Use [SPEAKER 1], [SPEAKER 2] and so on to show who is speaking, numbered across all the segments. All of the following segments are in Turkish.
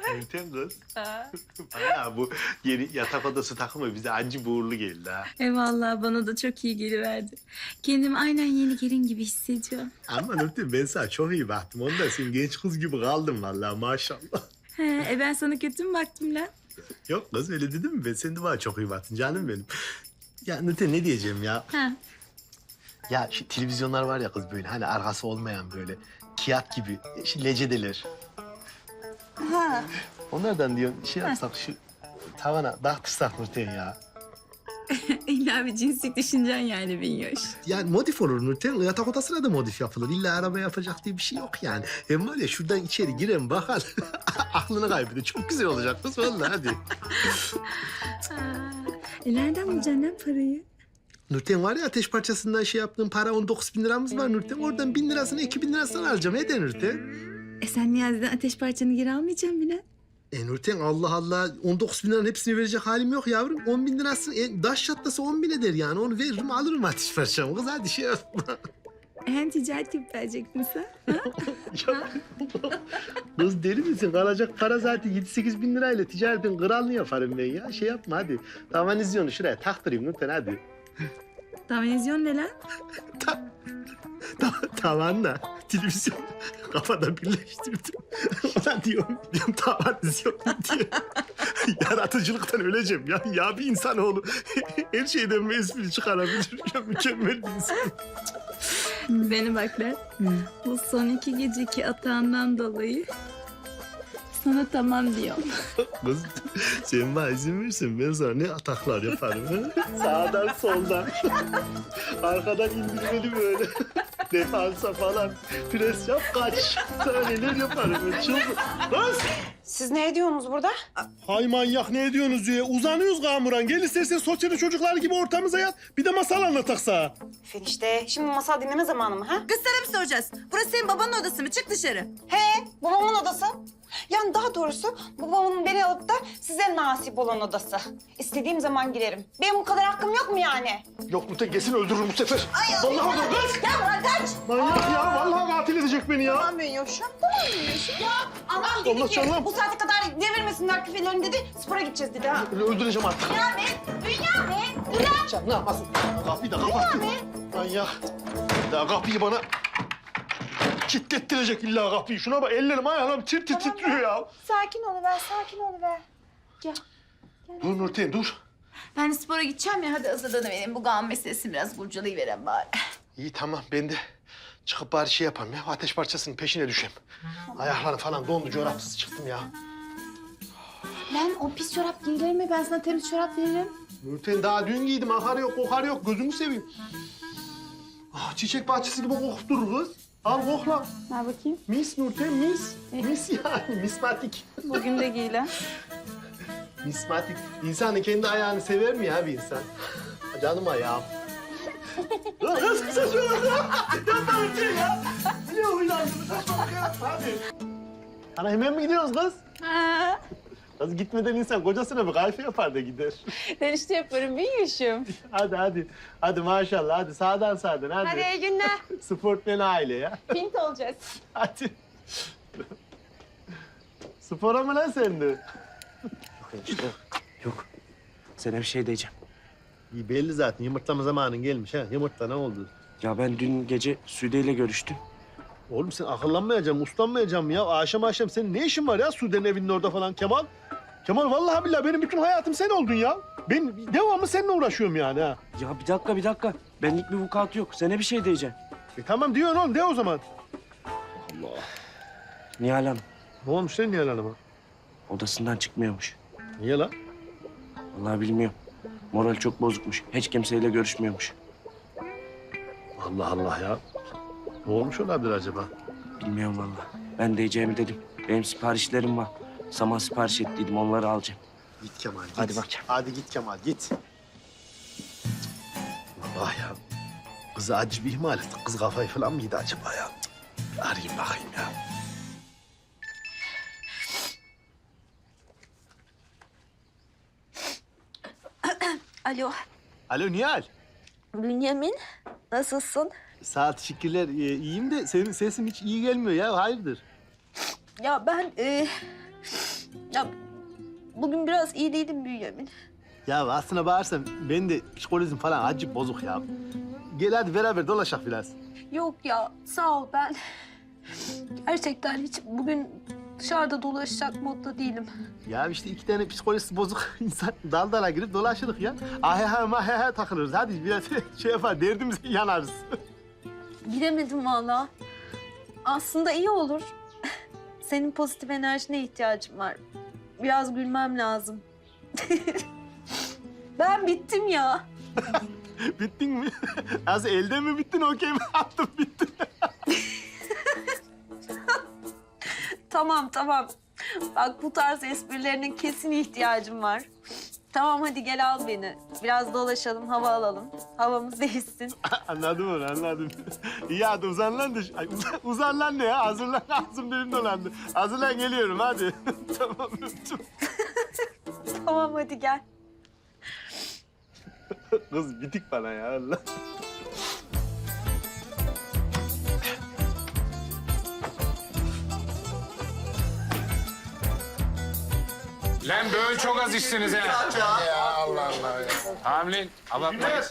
[SPEAKER 1] Nurten kız. Bayağı bu yeni yatak odası takımı bize acı uğurlu geldi ha.
[SPEAKER 2] Vallahi bana da çok iyi geliverdi. Kendimi aynen yeni gelin gibi hissediyorum.
[SPEAKER 1] Ama Nurten ben sana çok iyi baktım. Onda sen genç kız gibi kaldın vallahi maşallah.
[SPEAKER 2] Ben sana kötü mü baktım lan?
[SPEAKER 1] Yok kız öyle dedim mi? Ben sen de bana çok iyi baktın canım benim. Ya Nurten ne diyeceğim ya?
[SPEAKER 2] Ha.
[SPEAKER 1] Ya şu televizyonlar var ya kız böyle hani arkası olmayan böyle kağıt gibi şu lecedeler.
[SPEAKER 2] Ha.
[SPEAKER 1] Onlardan diyorum şey yapsak şu tavana dağıtırsak Nurten ya.
[SPEAKER 2] İlla bir cinslik düşüneceksin yani Binyoş.
[SPEAKER 1] Yani modif olur Nurten. Yatak odasına da modif yapılır. İlla araba yapacak diye bir şey yok yani. Hem var ya şuradan içeri giren bakar. Aklını kaybeder. Çok güzel olacak kız vallahi hadi.
[SPEAKER 2] Nereden bulacaksın lan parayı?
[SPEAKER 1] Nurten var ya ateş parçasından şey yaptığım para 19.000 liramız var Nurten. Oradan 1.000 lirasını 2.000 lirasını alacağım. Ne de Nurten?
[SPEAKER 2] Sen Niyazi'den ateş parçanı geri almayacaksın bile.
[SPEAKER 1] Nurten Allah Allah 19.000 liranın hepsini verecek halim yok yavrum. 10.000 lirasını daş çatlasa 10.000 eder yani. Onu veririm alırım ateş parçamı. Kız hadi şey yapma.
[SPEAKER 2] Hem ticaret yapıp verecektin sen.
[SPEAKER 1] Ya, kız deli misin? Kalacak para zaten 7-8 bin lirayla ticaretin kralını yaparım ben ya. Şey yapma hadi. Tavanizyon şuraya taktırayım Nurten hadi.
[SPEAKER 2] Televizyon ne lan?
[SPEAKER 1] Tavanla televizyon kafada birleştirdim. Ulan diyorum tavanizyon diye. Yaratıcılıktan öleceğim ya. Ya bir insanoğlu her şeyden bir espri çıkarabilir. Ya mükemmel bir insan.
[SPEAKER 2] Beni bak lan. Bu son 2 geceki atağından dolayı sana tamam diyorum.
[SPEAKER 1] Kız sen bana izin verirsen ben sana ne ataklar yaparım. Ha? Sağdan soldan. Arkadan indirmeli böyle. Defansa falan. Pres yap kaç. Sana neler yaparım ben çılgın. Kız!
[SPEAKER 3] Siz ne ediyorsunuz burada?
[SPEAKER 1] Hay manyak ne ediyorsunuz diye. Uzanıyoruz Kamuran. Gel istersen sosyal çocuklar gibi ortamıza yat. Bir de masal anlatak sana.
[SPEAKER 3] Enişte, şimdi masal dinleme zamanı mı ha?
[SPEAKER 4] Kız sana mı soracağız? Burası senin babanın odası mı? Çık dışarı.
[SPEAKER 3] He, babamın odası. Yani daha doğrusu babamın beni alıp da size nasip olan odası. İstediğim zaman girerim. Benim bu kadar hakkım yok mu yani?
[SPEAKER 1] Yok Nurten kesin öldürürüm bu sefer. Vallahi öldürürüm kız.
[SPEAKER 3] Ya bırak kaç!
[SPEAKER 1] Manyak ya. Vallahi katil edecek beni ya.
[SPEAKER 3] Tamam Bünyoş'um, tamam Bünyoş'um. Ya anam dedi
[SPEAKER 1] Allah
[SPEAKER 3] ki
[SPEAKER 1] canım.
[SPEAKER 3] bu saate kadar devirmesinler küfelerini dedi. Spora gideceğiz dedi ha.
[SPEAKER 1] Öldüreceğim artık.
[SPEAKER 3] Bünyamin!
[SPEAKER 1] Can ne yapmasın? Kapıyı da kapattın. Manyak. Daha kapıyı bana kilitlettirecek illa kapıyı. Şuna bak ellerim ayağım titriyor ya.
[SPEAKER 3] Sakin oluver, sakin oluver.
[SPEAKER 1] Dur Nurten dur.
[SPEAKER 4] Ben spora gideceğim ya. Hadi hazırlanıvereyim. Bu gam meselesini biraz kurcalayıverem bari.
[SPEAKER 1] İyi tamam ben de çıkıp bari şey yapayım ya. Ateş parçasının peşine düşeyim. Ayaklarım falan dondu çorapsız çıktım ya.
[SPEAKER 4] Lan o pis çorap giyilir mi? Ben sana temiz çorap veririm.
[SPEAKER 1] Nurten daha dün giydim. Akar yok kokar yok. Gözümü seveyim. Ah, çiçek bahçesi gibi kokup durur kız. Al kokla.
[SPEAKER 3] Ver bakayım.
[SPEAKER 1] Mis Nurten mis. Mis yani mismatik.
[SPEAKER 3] Bugün de giy lan.
[SPEAKER 1] Mismatik. İnsanın kendi ayağını sever mi ya bir insan? Canım ayağım. Kız kısa şöyle. Yapma bir şey ya. Niye huylandın? Saçmalık yapma hadi. Ana hemen mi gidiyoruz kız?
[SPEAKER 3] Ha.
[SPEAKER 1] Kız gitmeden insan kocasına bir kahve yapar da gider.
[SPEAKER 3] Ben işte yaparım Bünyoş'um.
[SPEAKER 1] Hadi hadi. Hadi maşallah hadi sağdan hadi.
[SPEAKER 3] Hadi iyi günler.
[SPEAKER 1] Sportmen aile ya.
[SPEAKER 3] Pint olacağız.
[SPEAKER 1] Hadi. Spora mı lan sen de?
[SPEAKER 5] İşte yok. Sana bir şey diyeceğim.
[SPEAKER 1] İyi belli zaten yumurtlama zamanın gelmiş ha. Yumurtla ne oldu?
[SPEAKER 5] Ya ben dün gece Sude ile görüştüm.
[SPEAKER 1] Oğlum sen akıllanmayacaksın, uslanmayacaksın ya. Akşam senin ne işin var ya Sude'nin evinin orada falan Kemal? Kemal vallahi billahi benim bütün hayatım sen oldun ya. Ben devamlı seninle uğraşıyorum yani ha.
[SPEAKER 5] Ya bir dakika. Benlik bir vukuat yok. Sana bir şey diyeceğim.
[SPEAKER 1] Tamam diyorsun oğlum de o zaman.
[SPEAKER 5] Nihal Hanım
[SPEAKER 1] Ne olmuş lan Nihal Hanım'a?
[SPEAKER 5] odasından çıkmıyormuş.
[SPEAKER 1] Niye lan?
[SPEAKER 5] Vallahi bilmiyorum. Moral çok bozukmuş. Hiç kimseyle görüşmüyormuş.
[SPEAKER 1] Allah Allah ya. Ne olmuş olabilir acaba?
[SPEAKER 5] Bilmiyorum vallahi. Ben diyeceğimi dedim. Benim siparişlerim var. Saman sipariş ettiydim. Onları alacağım.
[SPEAKER 1] Git Kemal git.
[SPEAKER 5] Hadi bakayım.
[SPEAKER 1] Hadi git Kemal git. Allah ya. Kızı acı bir ihmal ettik. Kız kafayı falan mı yedi acaba ya? Cık, bir arayayım bakayım ya.
[SPEAKER 4] Alo.
[SPEAKER 1] Alo Nihal.
[SPEAKER 4] Bünyamin. Nasılsın?
[SPEAKER 1] Sağ ol, teşekkürler. İyiyim de senin sesin hiç iyi gelmiyor ya. Hayırdır?
[SPEAKER 4] Ya ben
[SPEAKER 6] Ya bugün biraz iyi değilim Bünyamin.
[SPEAKER 1] Ya aslına bağırsan ben de psikolojim falan acayip bozuk ya. Gel hadi beraber dolaşak biraz.
[SPEAKER 6] Yok ya sağ ol ben gerçekten hiç bugün dışarıda dolaşacak modda değilim.
[SPEAKER 1] Ya işte iki tane psikolojisi bozuk insan dal dala girip dolaşırız ya. Aheha maheha takılırız. Hadi biraz şey yapar derdimize yanarız.
[SPEAKER 6] Bilemedim vallahi. Aslında iyi olur. Senin pozitif enerjine ihtiyacım var. Biraz gülmem lazım. Ben bittim ya.
[SPEAKER 1] Bittin mi? Nasıl elde mi bittin okey mi attın bittin?
[SPEAKER 6] Tamam tamam. Bak bu tarz esprilerinin kesin ihtiyacım var. Tamam hadi gel al beni. Biraz dolaşalım, hava alalım. Havamız değişsin.
[SPEAKER 1] Anladım onu anladım. İyi hadi uzan lan da. Ay, uzan lan ne ya? Hazırlan ağzım benim dolandı. Hazırlan geliyorum hadi. Tamam öptüm.
[SPEAKER 6] Tamam hadi gel.
[SPEAKER 1] Kız bitik bana ya Allah.
[SPEAKER 7] Lan böyle çok az içtiniz ha. Ya Allah Allah ya. Hamlin, abartmayız.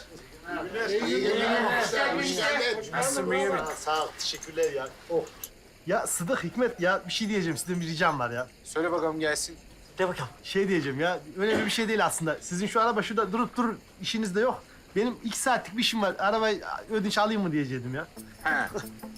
[SPEAKER 7] Nasılsın Bünyamin?
[SPEAKER 1] Sağ ol teşekkürler ya. Oh. Ya Sıdık Hikmet ya bir şey diyeceğim sizden bir ricam var ya.
[SPEAKER 7] Söyle bakalım gelsin.
[SPEAKER 1] De bakalım. Şey diyeceğim ya önemli bir şey değil aslında. Sizin şu araba şurada durup durur işiniz de yok. Benim 2 saatlik bir işim var. Arabayı ödünç alayım mı diyecektim ya.
[SPEAKER 7] Ha.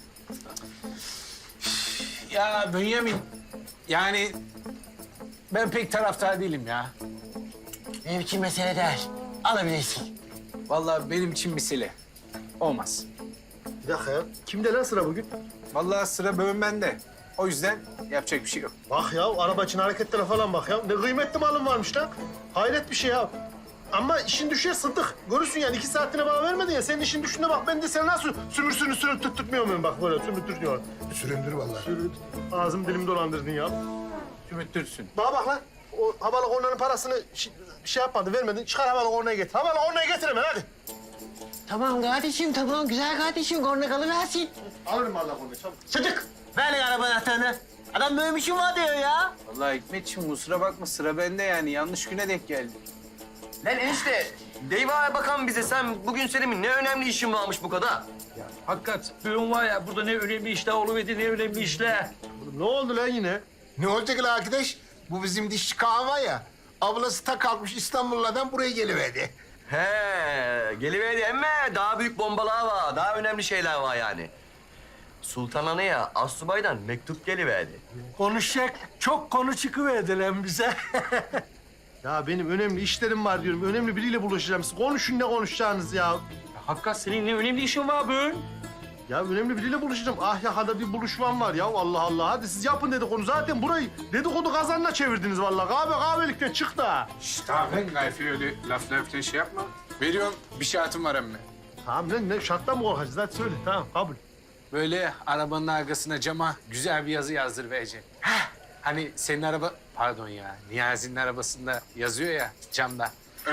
[SPEAKER 7] Ya Bünyamin, yani ben pek taraftar değilim ya.
[SPEAKER 8] Benim için mesele değil. Alabilirsin.
[SPEAKER 7] Vallahi benim için mesele. Olmaz.
[SPEAKER 1] Bir dakika ya. Kimde lan sıra bugün?
[SPEAKER 7] Vallahi sıra bölüm bende. O yüzden yapacak bir şey yok.
[SPEAKER 1] Bak ya araba için hareketlere falan bak ya. Ne kıymetli malım varmış lan. Hayret bir şey ya. Ama işin düşer Sıddık. Görürsün yani 2 saatine bana vermedin ya. Senin işin düşünde bak ben de seni nasıl sürüntürtmüyor muyum bak böyle sürüntürtüyor.
[SPEAKER 9] Süründür vallahi.
[SPEAKER 1] Ağzım dilim dolandırdın ya.
[SPEAKER 7] Ümitlisin.
[SPEAKER 1] Bana bak lan. O havalı kornanın parasını şey yapmadı vermedin. Çıkar havalı kornayı getir. Havalı kornayı getir hemen hadi.
[SPEAKER 8] Tamam kardeşim, tamam. Güzel kardeşim. Korna kalıversin.
[SPEAKER 1] Alırım valla kornayı çabuk.
[SPEAKER 8] Sıdık, ver lan araba anahtarını. Adam böyle bir şey var diyor ya.
[SPEAKER 7] Vallahi Hikmetciğim kusura bakma sıra bende yani. Yanlış güne denk geldi.
[SPEAKER 10] Lan enişte, Deyva bakan bize sen bugün senin ne önemli işin varmış bu kadar?
[SPEAKER 11] Hakikat, bugün var ya burada ne önemli işler oluverdi, ne önemli işler.
[SPEAKER 1] Ne oldu lan yine?
[SPEAKER 9] Ne olacak lan arkadaş? Bu bizim dişçi Kaan var ya. Ablası ta kalkmış İstanbul'dan buraya geliverdi.
[SPEAKER 10] He, geliverdi ama daha büyük bombalar var, daha önemli şeyler var yani. Sultan Ana'ya Assubay'dan mektup geliverdi.
[SPEAKER 11] Konuşacak çok konu çıkıverdi lan bize.
[SPEAKER 1] Ya benim önemli işlerim var diyorum. Önemli biriyle buluşacağım. Siz konuşun ne konuşacağınız ya.
[SPEAKER 11] Hakikat senin ne önemli işin var bugün?
[SPEAKER 1] Ya önemli biriyle buluşacağım. Ahyaka'da bir buluşmam var ya. Allah Allah. Hadi siz yapın dedikodu. Zaten burayı dedikodu kazanına çevirdiniz vallahi. Kahvelikten çıktı ha.
[SPEAKER 7] Şşt tamam lan Gayfi öyle laftan şey yapma. Veriyorum bir şartım var emme.
[SPEAKER 1] Tamam ne şarttan mı korkacağız? Hadi söyle. Tamam kabul.
[SPEAKER 7] Böyle arabanın arkasına cama güzel bir yazı yazdır vereceksin. Hani senin araba, pardon ya, Niyazi'nin arabasında yazıyor ya camda. Öyle.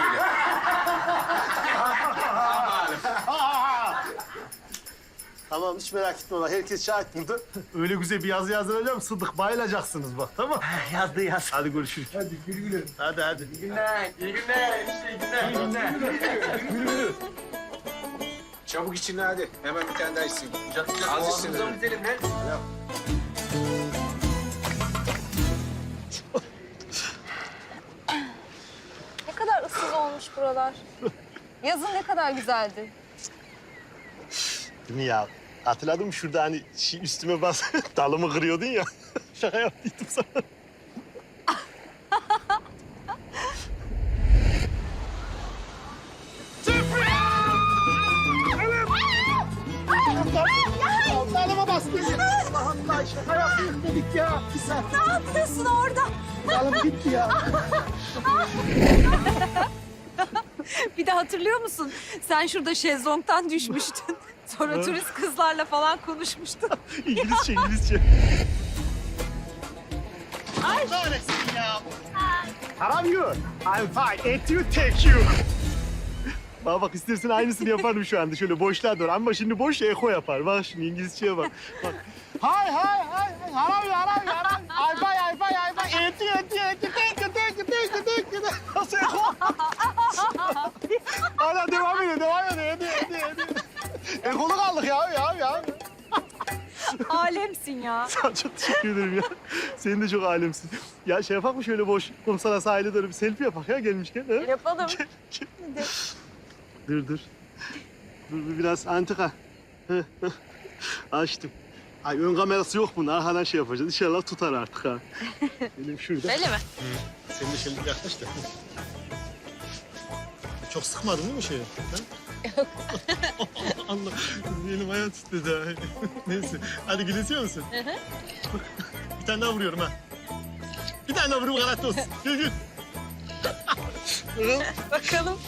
[SPEAKER 1] Tamam hiç merak etme valla. Herkes şahit burada. Öyle güzel bir yazı yazdıracağım. Sıddık bayılacaksınız bak tamam.
[SPEAKER 8] Yazdı yaz.
[SPEAKER 1] Hadi görüşürüz.
[SPEAKER 9] Hadi gül gülüm.
[SPEAKER 1] Hadi.
[SPEAKER 10] İyi günler, iyi günler, iyi günler.
[SPEAKER 7] Çabuk içine hadi. Hemen bir tane daha içsin. Az içsin.
[SPEAKER 10] Ağzımıza mı gidelim lan?
[SPEAKER 6] Ne kadar ıssız olmuş buralar. Yazın ne kadar güzeldi.
[SPEAKER 1] Değil mi ya? Hatırladın mı şurada hani üstüme bas dalımı kırıyordun ya. Şaka yaptıydım sana. Dalıma bastın. Allah Allah şaka yaptık dedik ya.
[SPEAKER 6] Ne yapıyorsun orada?
[SPEAKER 1] Dalım gitti ya.
[SPEAKER 6] Bir de hatırlıyor musun? Sen şurada şezlongdan düşmüştün. Sonra turist kızlarla falan konuşmuştun.
[SPEAKER 1] İngilizce. Ay. Neredesin ya? How are you? I'm fine. And you, thank you. Bak bak istersen aynısını yaparım şu anda. Şöyle boşluğa doğru. Ama şimdi boş eko yapar. Bak şimdi İngilizceye bak. Bak. Hi. I'm fine. And you. Nasıl hala devam ediyor. Hadi. Ekolu kaldık ya.
[SPEAKER 6] Alemsin ya.
[SPEAKER 1] Sana çok teşekkür ederim ya. Senin de çok alemsin. Ya şey yapak mı şöyle boş kumsala sahile doğru bir selfie yapak ya gelmişken. Ha?
[SPEAKER 6] Yapalım.
[SPEAKER 1] Dur. Dur biraz antika. Açtım. Ay ön kamerası yok bunun. Arkadan şey yapacağız. İnşallah tutar artık ha. Benim şurada.
[SPEAKER 6] Öyle mi?
[SPEAKER 1] Sen de şimdi yaklaş da. Çok sıkmadın değil mi şeyi? Yok. Allah, benim ayağım titredi ha. Neyse, hadi gülesiyor musun? Bir tane daha vuruyorum ha. Bir tane daha vururum kanatlı olsun. Gül.
[SPEAKER 6] Bakalım.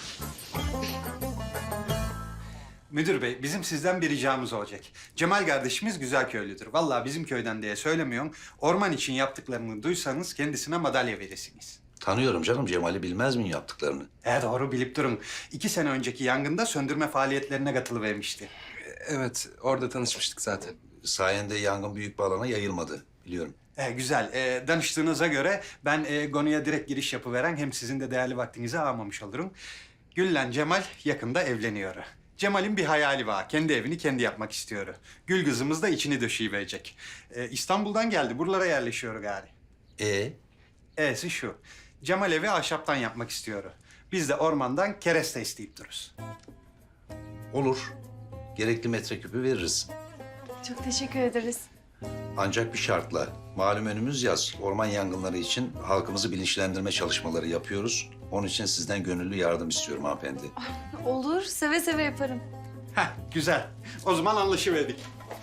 [SPEAKER 12] Müdür bey, bizim sizden bir ricamız olacak. Cemal kardeşimiz güzel köylüdür. Vallahi bizim köyden diye söylemiyorum. Orman için yaptıklarını duysanız kendisine madalya verirsiniz.
[SPEAKER 13] Tanıyorum canım, Cemal'i bilmez miyim yaptıklarını?
[SPEAKER 12] Doğru bilip durun. 2 sene önceki yangında söndürme faaliyetlerine katılıvermişti.
[SPEAKER 10] Evet, orada tanışmıştık zaten.
[SPEAKER 13] Sayende yangın büyük bir alana yayılmadı, biliyorum.
[SPEAKER 12] Güzel. Danıştığınıza göre ben konuya direkt giriş yapıveren hem sizin de değerli vaktinizi almamış olurum. Gül'le Cemal yakında evleniyor. Cemal'in bir hayali var. Kendi evini kendi yapmak istiyor. Gül kızımız da içini döşeyiverecek. İstanbul'dan geldi. Buralara yerleşiyor gari. E'si şu. Cemal evi ahşaptan yapmak istiyor. Biz de ormandan kereste isteyip dururuz.
[SPEAKER 13] Olur. Gerekli metreküpü veririz.
[SPEAKER 4] Çok teşekkür ederiz.
[SPEAKER 13] Ancak bir şartla. Malum önümüz yaz. Orman yangınları için halkımızı bilinçlendirme çalışmaları yapıyoruz. Onun için sizden gönüllü yardım istiyorum hanımefendi.
[SPEAKER 4] Olur, seve seve yaparım.
[SPEAKER 12] Güzel. O zaman anlaşıverdik.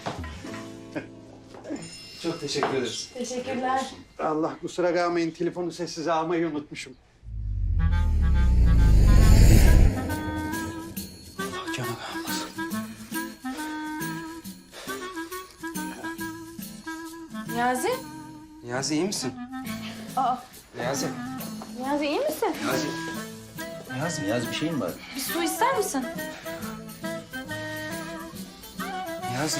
[SPEAKER 12] Çok teşekkür ederiz.
[SPEAKER 4] Teşekkürler.
[SPEAKER 12] Allah kusura kalmayın. Telefonu sessize almayı unutmuşum. Canım almaz.
[SPEAKER 4] Niyazi?
[SPEAKER 10] Niyazi iyi misin? Niyazi.
[SPEAKER 4] Niyazi iyi misin?
[SPEAKER 13] Niyazi bir şeyin var.
[SPEAKER 4] Bir su ister misin?
[SPEAKER 10] Niyazi.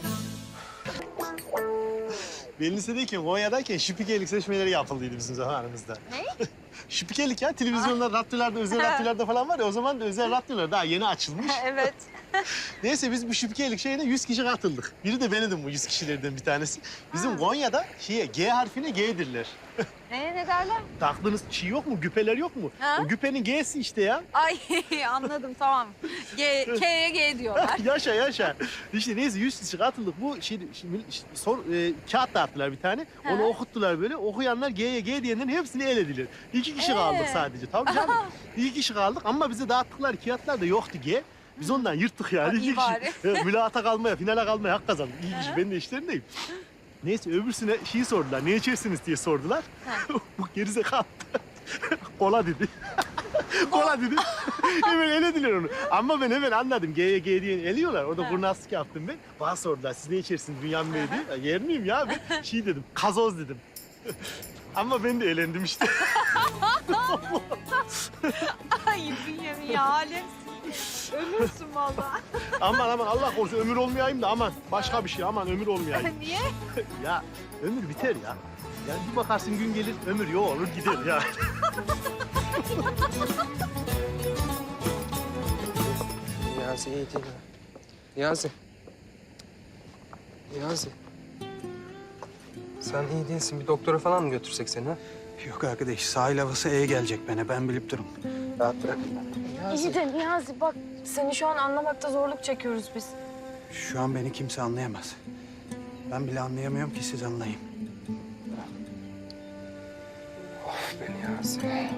[SPEAKER 1] Ben lisedeyken, Konya'dayken şipikelik seçmeleri yapıldıydı bizim zamanımızda. Ne? Şipikelik ya, televizyonlar, radyolarda, özel radyolarda falan var ya, o zaman da özel radyolar daha yeni açılmış.
[SPEAKER 6] Evet.
[SPEAKER 1] Neyse biz bu şipikelik şeyine 100 kişi katıldık. Biri de bendim bu 100 kişilerden bir tanesi. Bizim Konya'da G harfine G'dirler.
[SPEAKER 6] Ne derler?
[SPEAKER 1] Taktığınız şey yok mu, güpeler yok mu?
[SPEAKER 6] Ha?
[SPEAKER 1] O güpenin G'si işte ya.
[SPEAKER 6] Ay anladım tamam. K'ye G diyorlar.
[SPEAKER 1] yaşa. İşte neyse 100 kişi katıldık. Bu kağıt dağıttılar bir tane. Onu okuttular böyle. Okuyanlar G'ye G diyenlerin hepsini elediler. 2 kişi kaldık sadece. Tabii canım. 2 kişi kaldık ama bize dağıttıkları kağıtlar da yoktu G. Biz ondan yırttık yani.
[SPEAKER 6] İyi bari.
[SPEAKER 1] Mülakata kalmaya, finale kalmaya hak kazandık. İyi kişi, ben de işlerindeyim. Neyse öbürsüne şeyi sordular. Ne içersiniz diye sordular. Bu gerizekalı kola dedi. Kola dedi. Hemen elediler onu. Ama ben hemen anladım. G'ye G diye eliyorlar. Orada kurnazlık yaptım ben. Bana sordular. Siz ne içersiniz Bünyamin Bey diye. Yer miyim ya? Ben şey dedim. Kazoz dedim. Ama ben de elendim işte.
[SPEAKER 6] Ay Bünyamin ya alemsin. Ölürsün vallahi.
[SPEAKER 1] Aman Allah korusun ömür olmayayım da aman. Başka bir şey aman ömür olmayayım.
[SPEAKER 6] Niye?
[SPEAKER 1] Ya ömür biter ya. Yani bir bakarsın gün gelir ömür yok olur gider ya.
[SPEAKER 10] Niyazi iyi değil ha. Niyazi. Sen iyi değilsin. Bir doktora falan mı götürsek seni ha?
[SPEAKER 12] Yok arkadaş, sahil havası iyi gelecek bana. Ben bilip durum.
[SPEAKER 10] Rahat bırak.
[SPEAKER 4] İyi de Niyazi bak seni şu an anlamakta zorluk çekiyoruz biz.
[SPEAKER 12] Şu an beni kimse anlayamaz. Ben bile anlayamıyorum ki siz anlayın.
[SPEAKER 10] Of be Niyazi.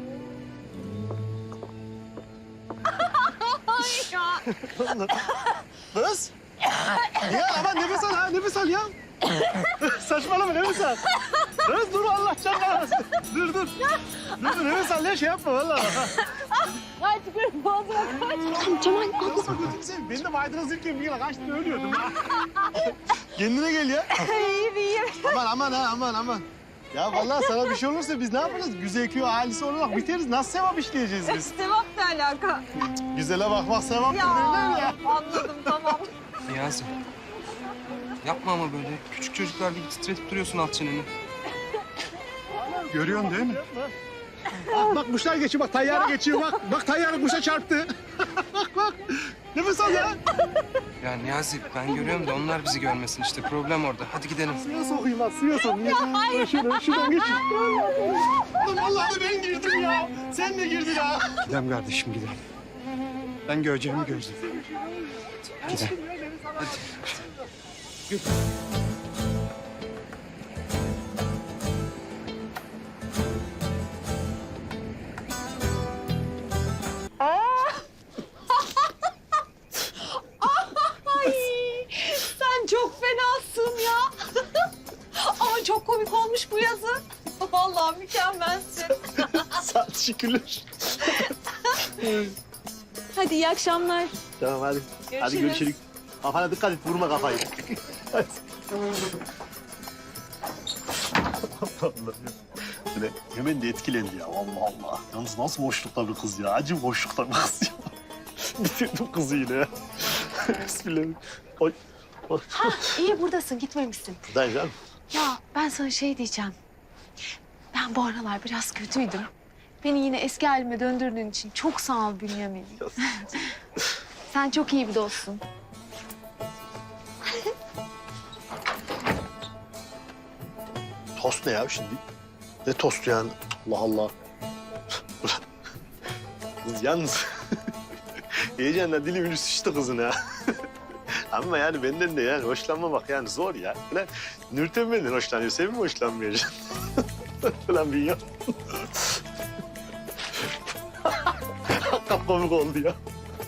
[SPEAKER 1] Kız. Ya aman nefes al ya. Saçmalama nefes al. Kız dur Allah canına. Dur. Dur nefes al ya şey yapma vallahi.
[SPEAKER 6] Ay çıkıyorum boğazıma kaç.
[SPEAKER 1] Cemal ben de maydanoz yırken bir yere kaçtı ölüyordum ya. Kendine gel ya.
[SPEAKER 6] İyiyim.
[SPEAKER 1] Aman. Ya vallahi sana bir şey olursa biz ne yaparız? Güzel köy ailesi olarak biteriz. Nasıl sevap işleyeceğiz biz?
[SPEAKER 6] Sevap ne alaka?
[SPEAKER 1] Güzele bakmak sevaptır derler ya.
[SPEAKER 6] Anladım tamam.
[SPEAKER 10] Niyazi. Yapma ama böyle. Küçük çocuklar gibi titretip duruyorsun alt çeneni.
[SPEAKER 12] görüyorsun değil mi?
[SPEAKER 1] Bak kuşlar geçiyor, bak tayyare geçiyor, bak. Bak tayyare kuşa çarptı. bak. Nefes al ya.
[SPEAKER 5] Ya Niyazi ben görüyorum da onlar bizi görmesin işte. Problem orada. Hadi gidelim.
[SPEAKER 1] Suya sokayım bak, suya sokayım. Ya şuradan geç. Lan vallahi ben girdim ya. Sen de girdin ha.
[SPEAKER 12] Gidelim kardeşim gidelim. Ben göreceğimi gördüm. Gidelim.
[SPEAKER 6] Sen çok fenasın ya. Ama çok komik olmuş bu yazı. Vallahi mükemmelsin.
[SPEAKER 1] Sağ ol, teşekkürler.
[SPEAKER 2] Hadi iyi akşamlar.
[SPEAKER 1] Tamam hadi. Hadi görüşürüz. Kafana dikkat et, vurma kafayı. Hadi. Allah'ım. Böyle hemen de etkilendi ya. Allah Allah. Yalnız nasıl boşlukta bir kız ya. Acı boşlukta bir kız ya. Bitirdim kızı yine ya. Bismillah. Oy. Oy.
[SPEAKER 6] İyi buradasın, gitmemişsin.
[SPEAKER 1] Buradayım canım.
[SPEAKER 6] Ya ben sana şey diyeceğim. Ben bu aralar biraz kötüydüm. Beni yine eski halime döndürdüğün için çok sağ ol Bünyamin. Sen çok iyi bir dostsun.
[SPEAKER 1] Tost ne ya şimdi? Ne tostu yani? Allah Allah. Kız yalnız. Heyecanla dilimin üstü şişti kızın ha. Ama yani benden de yani hoşlanmamak yani zor ya. Falan Nurten benden hoşlanıyor. Sen mi hoşlanmayacaksın? Falan bir ya. Kapkomik oldu ya.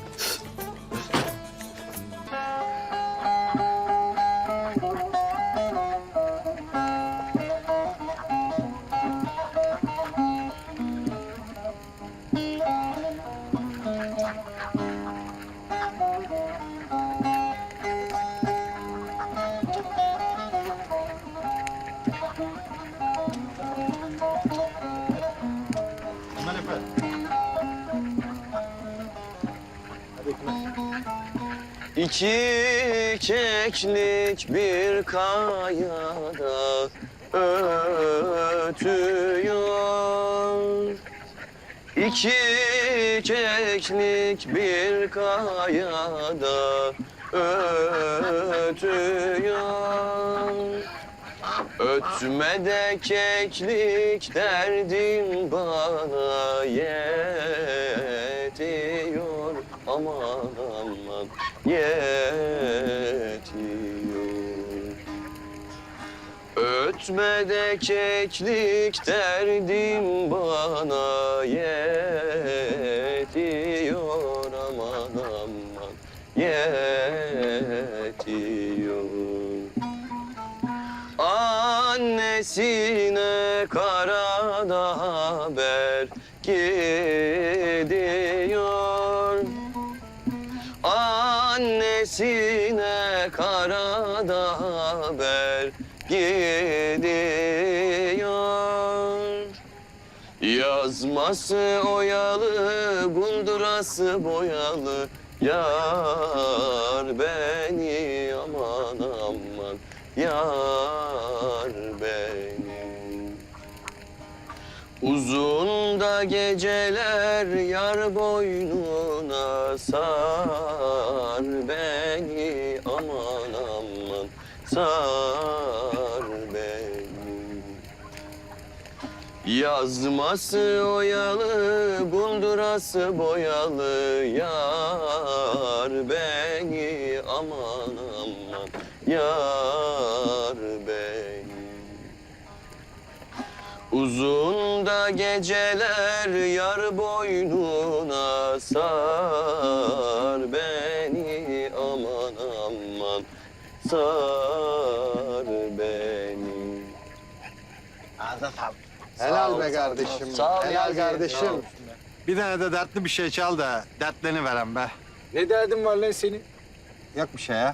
[SPEAKER 10] İki keklik bir kayada ötüyor. İki keklik bir kayada ötüyor. Ötme de keklik derdim bana yetiyor. Aman aman yetiyor. Ötme de keklik derdim bana yetiyor. Aman aman yetiyor. Annesine karada haber gidiyor. Annesine karada haber gidiyor. Yazması oyalı, buldurası boyalı. Yar beni aman aman, yar beni. Uzun da geceler yar boynuna sar beni aman aman, sar beni. Yazması oyalı, buldurası boyalı. Yar beni aman aman, yar beni. Uzun da geceler yar boynuna sar beni aman aman, sar beni.
[SPEAKER 12] Helal be kardeşim.
[SPEAKER 10] Sağ ol
[SPEAKER 12] Helal
[SPEAKER 10] Niyazi.
[SPEAKER 12] kardeşim. Bir tane de dertli bir şey çal da dertlerini veren be.
[SPEAKER 7] Ne derdin var lan senin?
[SPEAKER 12] Yok bir şey ya.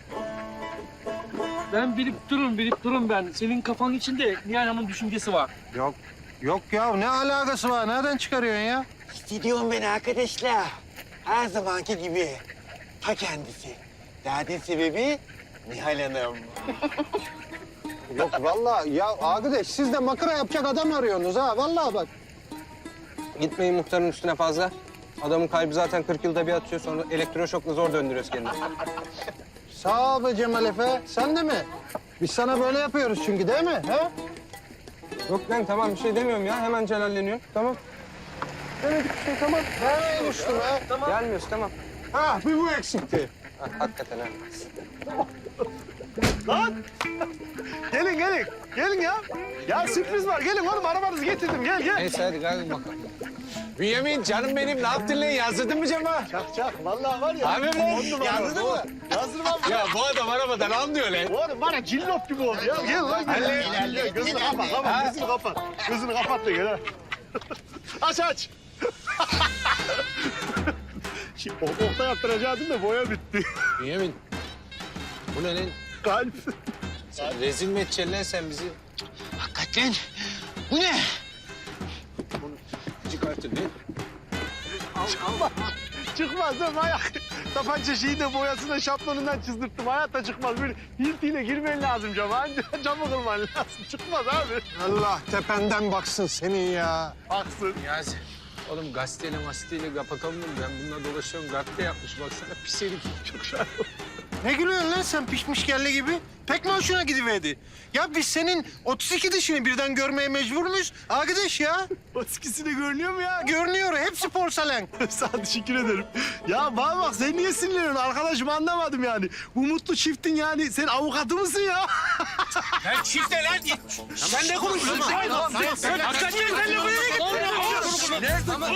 [SPEAKER 11] Ben bilip durun ben. Senin kafanın içinde Nihal Hanım'ın düşüncesi var.
[SPEAKER 12] Yok ya ne alakası var? Nereden çıkarıyorsun ya?
[SPEAKER 8] Hissediyorum beni arkadaşlar. Her zamanki gibi. Ta kendisi. Derdin sebebi Nihal Hanım. Yok vallahi ya arkadaş siz de makara yapacak adam arıyorsunuz ha vallahi bak.
[SPEAKER 14] Gitmeyin muhtarın üstüne fazla. Adamın kalbi zaten 40 yılda bir atıyor, sonra elektroşokla zor döndürüyoruz kendini.
[SPEAKER 8] Sağ ol be Cemal Efe. Sen de mi? Biz sana böyle yapıyoruz çünkü değil mi? He?
[SPEAKER 14] Yok lan tamam, bir şey demiyorum ya. Hemen celalleniyorum. Tamam.
[SPEAKER 8] Demedik bir şey tamam. Hemen uçtum ha. Tamam.
[SPEAKER 14] Gelmiyoruz tamam.
[SPEAKER 8] Ha bir bu eksikti.
[SPEAKER 14] Ha, hakikaten ha.
[SPEAKER 1] Lan! Gelin gelin. Gelin ya. Ya sürpriz var. Gelin oğlum arabanızı getirdim. Gel gel.
[SPEAKER 14] Neyse hadi gel bakalım.
[SPEAKER 7] Bünyamin canım benim ne yaptın lan? Yazdırdın mı Cema?
[SPEAKER 1] Çak. Vallahi var ya.
[SPEAKER 7] Abi lan yazdırdın mı?
[SPEAKER 1] Yazdırım abi.
[SPEAKER 7] Ya bu adam arabadan anlıyor lan.
[SPEAKER 1] Oğlum bana cillop gibi oldu ya. Gel lan gel. Gözünü kapat. Gözünü kapat. Gözünü kapat da gel ha. Aç. Şimdi okta yaptıracaktım da boya bitti.
[SPEAKER 7] Bünyamin. Bu ne lan?
[SPEAKER 1] Kalp.
[SPEAKER 7] Sen rezil mi edeceksin lan sen bizi?
[SPEAKER 8] Hakikaten. Bu ne?
[SPEAKER 7] Çıkartın lan.
[SPEAKER 1] Çıkmaz değil mi ayak? Tapanca şeyi de boyasına şablonundan çizdırttım. Hayatta çıkmaz. Böyle hiltiyle girmen lazım cama. Camı kırman lazım. Çıkmaz abi.
[SPEAKER 8] Allah tependen baksın senin ya.
[SPEAKER 1] Haksın.
[SPEAKER 7] Niyazi. Oğlum gazeteyle kapatalım mı? Ben bununla dolaşıyorum. Gazete yapmış. Baksana pis herif.
[SPEAKER 1] Çok şahane.
[SPEAKER 8] Ne gülüyorsun lan sen pişmiş kelle gibi? Pek mi hoşuna gidiverdi? Ya biz senin 32 dişini birden görmeye mecbur muyuz? Arkadaş ya.
[SPEAKER 1] O ikisi de görünüyor mu ya?
[SPEAKER 8] Görünüyor. Hepsi porselen.
[SPEAKER 1] Sağ ol, teşekkür ederim. Ya bana bak sen niye sinirleniyorsun arkadaşım anlamadım yani. Bu mutlu çiftin yani sen avukatı mısın ya?
[SPEAKER 7] Ben çifte lan git. Sen ne konuşuyorsun? Sen hakikaten benimle buraya git.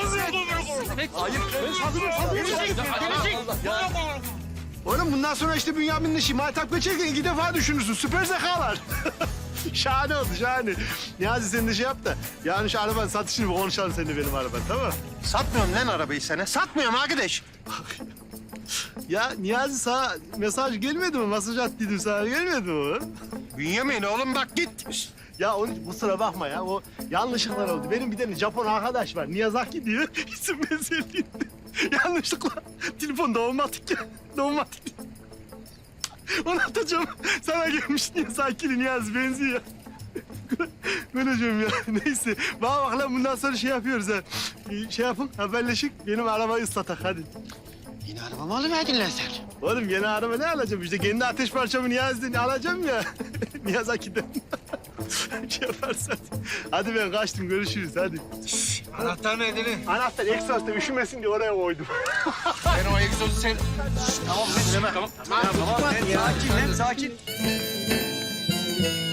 [SPEAKER 1] Oğlum bundan sonra işte Bünyamin'le Maytap geçerken 2 defa düşünürsün. Süper zekalar. Şahane oldu şahane. Niyazi sen de şey yap da. Yani şu arabanın satışını bir konuşalım seninle benim araban tamam mı?
[SPEAKER 8] Satmıyorum lan arabayı sana. Satmıyorum arkadaş.
[SPEAKER 1] Ya Niyazi sana mesaj gelmedi mi? Mesaj attıydım sana gelmedi mi oğlum?
[SPEAKER 8] Bünyamin oğlum bak git.
[SPEAKER 1] Ya onun kusura bakma ya. O yanlışlıklar oldu. Benim bir tane Japon arkadaş var. Niyazaki diyor. İsim benzerliğinde. Yanlışlıkla telefon doğmatik ya. Doğmatik. Onu atacağım. Sana gelmiş Niyazaki'li Niyazi benziyor. Böyle diyorum ya. Neyse. Bana bak lan bundan sonra şey yapıyoruz ha. Şey yapın haberleşik. Benim arabayı ıslatak hadi.
[SPEAKER 8] Yine arabamı alıverdin lan sen.
[SPEAKER 1] Oğlum yeni araba ne alacağım işte kendi ateş parçamı Niyazi'den alacağım ya. Niyazaki'den. şey yaparsan. Hadi ben kaçtım görüşürüz hadi.
[SPEAKER 7] Anahtar nerede lan?
[SPEAKER 1] Anahtar egzozda üşümesin diye oraya koydum.
[SPEAKER 7] Ben o egzozu sen...
[SPEAKER 1] Tamam.
[SPEAKER 7] Tamam.
[SPEAKER 1] Sakin.